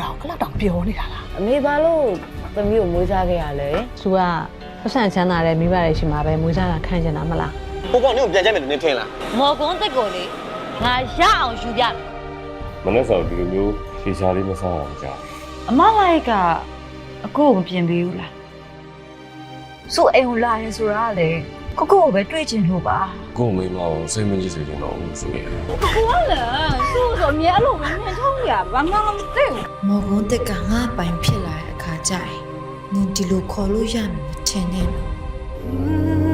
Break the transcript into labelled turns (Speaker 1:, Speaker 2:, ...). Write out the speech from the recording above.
Speaker 1: တာကိုအဲ့လောက်တောင်ပြောနေတာလား
Speaker 2: အမေဘာလို့သမီးကိုမွေးစားခဲ့ရလဲ
Speaker 3: သူကပတ်စံချမ်းသာတဲ့မိဘတွေရှိမှာပဲမွေးစားတာခံကျင်တာမလား
Speaker 4: ကိုကောင်နင်းကိုပြန်ကြိုက်မယ်လို့နင်းထင်လား
Speaker 5: မော်ကွန်းတက်ကိုလေငါရအောင်ယူပြမယ်
Speaker 6: မနေ့ကဒီလိုမျိုးဖြေရှားလေးမစားအောင်ကြာ
Speaker 5: အမလိုက်ကအကိုကိုမပြင်ပေးဘူးလားဆိုအိမ်ကိုလာရင်ဆိုတာလေကိုကိုပဲတွေ့ချင်လို့ပါ
Speaker 6: ကို့မိမအောင်စိတ်မကြည့်စေချင်တော့ဘူးဆိုရင်
Speaker 5: ဟုတ်လားဆိုဆိုအမြဲအဲ့လိုပဲမြင်ထုံးရဘာမှမသိဘူး
Speaker 7: မော်ကွန်းတက်ကငါ့ပိုင်ဖြစ်လာတဲ့အခါကျရင်နင်ဒီလိုခေါ်လို့ရမယ်မထင်နဲ့နော်